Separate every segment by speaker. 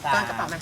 Speaker 1: ก้อนกระเป๋ามา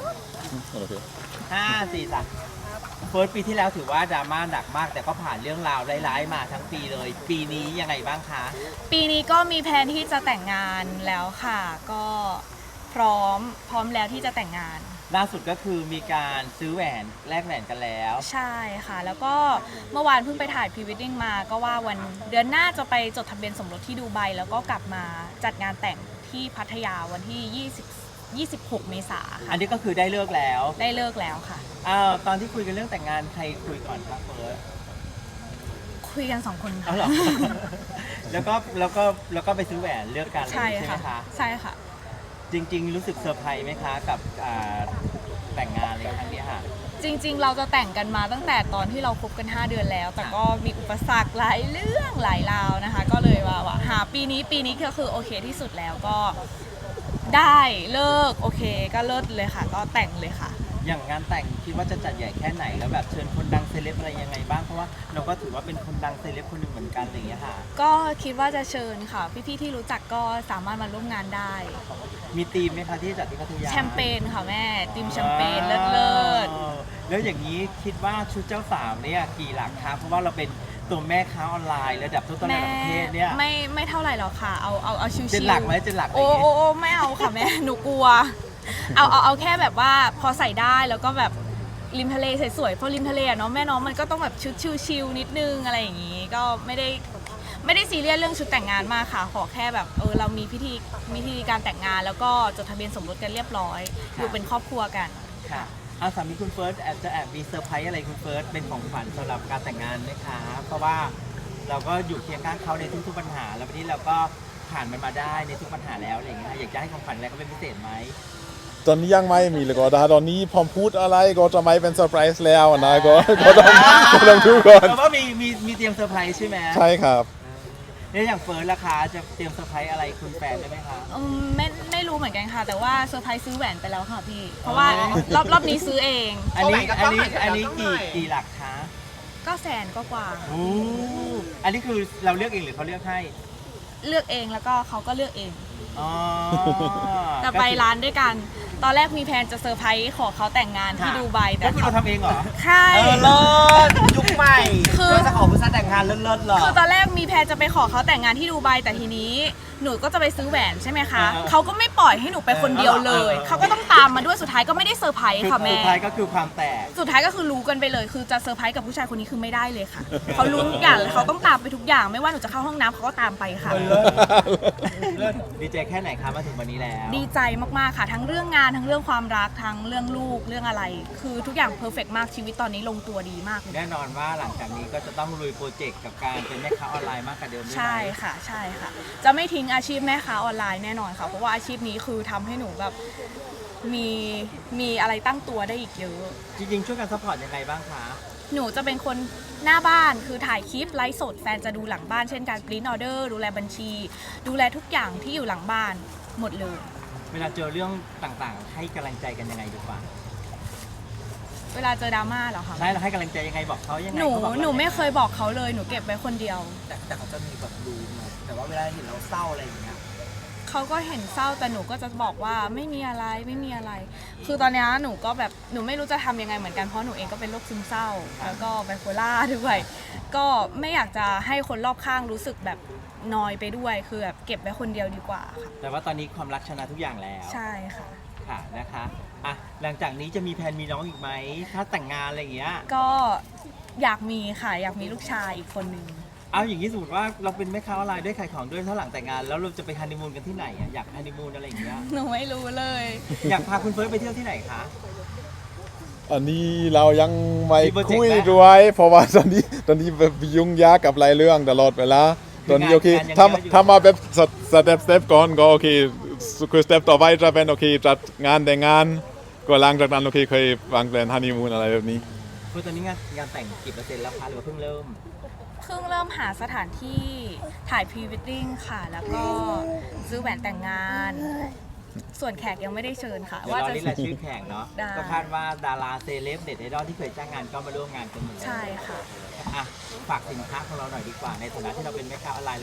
Speaker 2: 5 4 3เฟิร์สปีที่แล้วถือว่าดราม่าหนักมากแต่ก็ผ่านเรื่องราวร้ายๆมาทั้งปีเลย ปีนี้ยังไงบ้างคะ
Speaker 3: ปีนี้ก็มีแผนที่จะแต่งงานแล้วค่ะ ก็พร้อมแล้วที่จะแต่งงาน
Speaker 2: ล่าสุดก็คือมีการซื้อแหวนแลกแหวนกันแล้ว
Speaker 3: ใช่ค่ะ แล้วก็เมื่อวานเพิ่งไปถ่ายพรีเวดดิ้งมาก็ว่าวันเดือนหน้าจะไปจดทะเบียนสมรสที่ดูไบแล้วก็กลับมาจัดงานแต่งที่พัทยาวันที่ 26 เมษายน
Speaker 2: อั
Speaker 3: ค่ะ
Speaker 2: นนี้ก็คือได้เลิกแล้ว
Speaker 3: ได้เลิกแล้วค่ะ
Speaker 2: ตอนที่คุยกันเรื่องแต่งงานใครคุยก่อนครับเฟิร์ส
Speaker 3: คุยกัน2 คน
Speaker 2: เอา
Speaker 3: ค่ะ
Speaker 2: เหรอ แล้วก็ไปซื้อแหวนเลือกกันเลย
Speaker 3: ใช่
Speaker 2: ใช่ไหม
Speaker 3: ค่ะ
Speaker 2: คะ
Speaker 3: ใช่ค่ะ
Speaker 2: จริงๆ รู้สึกเซอร์ไพรส์ไหมคะกับแต่งงานในครั้งนี้ค่ะ
Speaker 3: จริงๆ เราจะแต่งกันมาตั้งแต่ตอนที่เราคบกัน 5 เดือนแล้ว แต่ก็มีอุปสรรคหลายเรื่องหลายราวนะคะ ก็เลยว่าหาปีนี้ก็คือโอเคที่สุดแล้วก็ได้เลิกโอเคก็เลิศเลยค่ะ ก็แต่งเลยค่ะ
Speaker 2: อย่างงานแต่งคิดว่าจะจัดใหญ่แค่ไหนแล้วแบบเชิญคนดังเซเลบอะไรยังไงบ้างเพราะว่าเราก็ถือว่าเป็นคนดังเซเลบคนหนึ่งเหมือนกันอะไรอย่างเงี้ยค่ะ
Speaker 3: ก็คิดว่าจะเชิญค่ะ พี่ๆ ที่รู้จักก็สามารถมาร่วมงานได้
Speaker 2: มีธีมไหมคะที่จัดที่พัทยา
Speaker 3: แชมเปญค่ะแม่ติมแชมเปญเลิศ
Speaker 2: แล้วอย่างนี้คิดว่าชุดเจ้าสาวเนี่ยกี่หลักคะเพราะว่าเราเป็นตัวแม่ค้าออนไลน์ระดับต้นๆ
Speaker 3: แม่
Speaker 2: ในประเทศเนี่ย
Speaker 3: ไม่เท่าไหร่หรอกค่ะ เอาชิวๆ
Speaker 2: เจ็ดหลักไหมเจ็ดหลักอะไรอ
Speaker 3: โอ้
Speaker 2: ย่างเงี้ย
Speaker 3: โอ้ไม่เอาค่ะแม่ หนูกลัว เอาแค่แบบว่าพอใส่ได้แล้วก็แบบริมทะเลสวยๆเพราะริมทะเลอะเนาะแม่น้องมันก็ต้องแบบชุดชิลๆนิดนึงอะไรอย่างงี้ ก็ไม่ได้ซีเรียสเรื่องชุดแต่งงานมากค่ะ ขอแค่แบบเรามีพิธีการแต่งงาน แล้วก็จดทะเบียนสมรสกันเรียบร้อยอยู่เป็นครอบครัวกัน
Speaker 2: ค่ะสามีคุณเฟิร์สแอบมีเซอร์ไพรส์อะไรคุณเฟิร์สเป็นของขวัญสำหรับการแต่งงานไหมคะเพราะว่าเราก็อยู่เคียงข้างเขาในทุกๆปัญหา แล้ววันนี้เราก็ผ่านมันมาได้ในทุกปัญหาแล้วอะไรอย่างเงี้ยอยากจะให้ของขวัญอะไรเขาเป็นพิเศษไหม
Speaker 4: ตอนนี้ยังไม่มีเลยก็ถ้าตอนนี้พอพูดอะไรก็จะไม่เป็นเซอร์ไพรส์แล้วนะก็ต้องดูก่อน
Speaker 2: แต่ว่ามีเตรียมเซอร์ไพรส์ใช่ไหม
Speaker 4: ใช่ครับ
Speaker 2: เนี่ยอย่างเฟิร์สราคาจะเตรียมเซอร์ไพรส์อะไรคุณแฟนได้ไหมคะ
Speaker 3: ไม่รู้เหมือนกันค่ะ แต่ว่าเซอร์ไพรส์ซื้อแหวนไปแล้วค่ะพี่ เพราะว่ารอบนี้ซื้อเอง
Speaker 2: อันนี้กี่หลักคะ
Speaker 3: ก็แสนก็กว่า
Speaker 2: โอ้อันนี้คือเราเลือกเองหรือเขาเลือกให้
Speaker 3: เลือกเองแล้วก็เขาก็เลือกเอง
Speaker 2: อ๋อ
Speaker 3: แต่ไปร้านด้วยกัน ตอนแรกมีแพลนจะเซอร์ไพรส์ขอเขาแต่งงานที่ดูไบแต่
Speaker 2: ก็คือเราทำเองเหรอ
Speaker 3: ใช่
Speaker 1: เลิศยุคใหม่
Speaker 3: คือ
Speaker 1: เราจะขอผู้ชายแต่งงานเลิศๆเหรอ
Speaker 3: คือตอนแรกมีแพลนจะไปขอเขาแต่งงานที่ดูไบแต่ทีนี้หนูก็จะไปซื้อแหวนใช่ไหมคะเขาก็ไม่ปล่อยให้หนูไปคนเดียวเลยเขาก็ต้องตามมาด้วยสุดท้ายก็ไม่ได้เซอร์ไพรส์ค่ะแม่
Speaker 2: สุดท้ายก็คือความแตก
Speaker 3: สุดท้ายก็คือรู้กันไปเลย คือจะเซอร์ไพรส์กับผู้ชายคนนี้คือไม่ได้เลยค่ะ เขารู้ทุกอย่างเขาต้องตามไปทุกอย่าง ไม่ว่าหนูจะเข้าห้องน้ำเขาก็ตามไปค่ะ
Speaker 2: ดีใจแค่ไหนคะมาถึงวันนี้แล้ว
Speaker 3: ดีใจมากๆค่ะ ทั้งเรื่องงานทั้งเรื่องความรักทั้งเรื่องลูกเรื่องอะไร คือทุกอย่างเพอร์เฟกต์มากชีวิตตอนนี้ลงตัวดีมากเลย
Speaker 2: แน่นอนว่าหลังจากนี้ก็จะต้องลุยโปรเจกต์กับการเป็นแม่ค้าออนไลน์มากกว่าเดิมด้วยไหม
Speaker 3: ใช่ค่ะใช่ค่ะ จะไม่ทิ้งอาชีพแม่ค้าออนไลน์แน่นอนค่ะ เพราะว่าอาชีพนี้คือทำให้หนูแบบมีอะไรตั้งตัวได้อีกเยอะ
Speaker 2: จริงๆช่วยกันซัพพอร์ตยังไงบ้างคะ
Speaker 3: หนูจะเป็นคนหน้าบ้านคือถ่ายคลิปไลฟ์สดแฟนจะดูหลังบ้านเช่นการปริ้นออเดอร์ดูแลบัญชี ดูแลทุกอย่างที่อยู่หลังบ้านหมดเลย
Speaker 2: เวลาเจอเรื่องต่างๆ ให้กำลังใจกันยังไงดีกว่า
Speaker 3: เวลาเจอดราม่าเหรอคะ
Speaker 2: ใช่เราให้กำลังใจยังไงบอกเขายังไง
Speaker 3: หนู
Speaker 2: เขาบอกเรา
Speaker 3: หนูไม่เคยบอกเขาเลยหนูเก็บไว้คนเดียว
Speaker 1: แต่เขาจะมีแบบดูนะแต่ว่าเวลาเห็นเราเศร้าอะไรอย่างเงี้ย
Speaker 3: เขาก็เห็นเศร้าแต่หนูก็จะบอกว่าไม่มีอะไรไม่มีอะไร คือตอนนี้หนูก็แบบหนูไม่รู้จะทำยังไงเหมือนกันเพราะหนูเองก็เป็นโรคซึมเศร้าแล้วก็ไบโพล่าด้วยก็ไม่อยากจะให้คนรอบข้างรู้สึกแบบนอยไปด้วยคือแบบเก็บไว้คนเดียวดีกว่าค่ะ
Speaker 2: แต่ว่าตอนนี้ความรักชนะทุกอย่างแล้ว
Speaker 3: ใช่ค่ะ
Speaker 2: ค่ะนะคะอ่ะหลังจากนี้จะมีแผนมีน้องอีกไหมถ้าแต่งงานอะไรอย่างเงี้ย
Speaker 3: ก็อยากมีค่ะอยากมีลูกชายอีกคนนึง
Speaker 2: เอาอย่างนี้สมมติว่าเราเป็นแม่ค้าออนไลน์ด้วยขายของด้วยถ้าหลังแต่งงานแล้วเราจะไปฮันนีมูนกันที่ไหนอ่ะอยากฮันนีมูนอะไรอย่างเงี้ย
Speaker 3: หนูไม่รู้เลย
Speaker 2: อยากพาคุณเฟิร์สไปเที่ยวที่ไหนคะ
Speaker 4: อันนี้เรายังไม่
Speaker 2: มีโปรเจกต์
Speaker 4: คุย
Speaker 2: ไหม
Speaker 4: ด้วยเพราะว่าตอนนี้แบบยุ่งยากกับหลายเรื่องตลอดเวลาตอนนี้โอเค
Speaker 2: งานยังเยอะอยู่
Speaker 4: ถ้ามาแบบสเต็ปก่อนก็โอเคคือสเต็ปต่อไปจะเป็นโอเคจัดงานแต่งงานก็หลังจากนั้นโอเคเคยวางแผนฮันนีมูนอะไรแบบนี้
Speaker 2: คือตอนนี้งานแต่งกี่เปอร์เซ็นต์แล้วคะหรือว่าเพิ่งเริ่ม
Speaker 3: เพิ่งเริ่มหาสถานที่ถ่ายพรีเวดดิ้งค่ะ แล้วก็ซื้อแหวนแต่งงาน ส่วนแขกยังไม่ได้เชิญค่ะ
Speaker 2: เดี๋ยว
Speaker 3: ว่าร
Speaker 2: อ
Speaker 3: จะ
Speaker 2: นี่แหละชื่อแข่งเนาะ
Speaker 3: ได้
Speaker 2: ก็คาดว่าดาราเซเลบเด็ดไอดอลที่เคยจ้างงานก็มาร่วมงานกันหมดแล้ว
Speaker 3: ใช่ค่ะ
Speaker 2: อ่ะฝากสินค้าของเราหน่อยดีกว่าในฐานะที่เราเป็นแม่ค้าออนไลน์แล้ว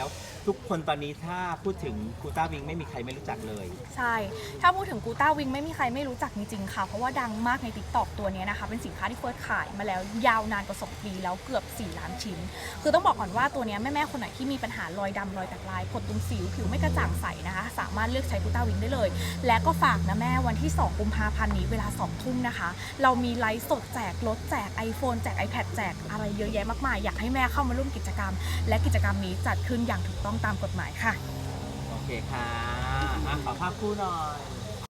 Speaker 2: ทุกคนตอนนี้ถ้าพูดถึงกูต้าวิงไม่มีใครไม่รู้จักเลย
Speaker 3: ใช่ ถ้าพูดถึงกูต้าวิงไม่มีใครไม่รู้จักจริงๆค่ะ เพราะว่าดังมากใน TikTok ตัวนี้นะคะ เป็นสินค้าที่เฟิร์สขายมาแล้วยาวนานกว่า2 ปีแล้วเกือบ 4 ล้านชิ้น คือต้องบอกก่อนว่าตัวนี้แม่ๆคนไหนที่มีปัญหารอยดำรอยแตกลายผดตุ่มสิวผิวไม่กระจ่างใสนะคะ สามารถเลือกใช้กูต้าวิงได้เลย และก็ฝากนะแม่วันที่ 2 กุมภาพันธ์นี้เวลา 2 ทุ่มนะคะ เรามีไลฟ์สดแจกรถแจก iPhone แจก iPad แจกอะไรเยอะแยะมากมายอยากให้แม่เข้ามาร่วมกิจกรรม และกิจกรรมนี้จัดขึ้นอย่างถูกต้องตามกฎหมายค่ะ
Speaker 2: โอเคค่ะขอภาพคู่หน่อย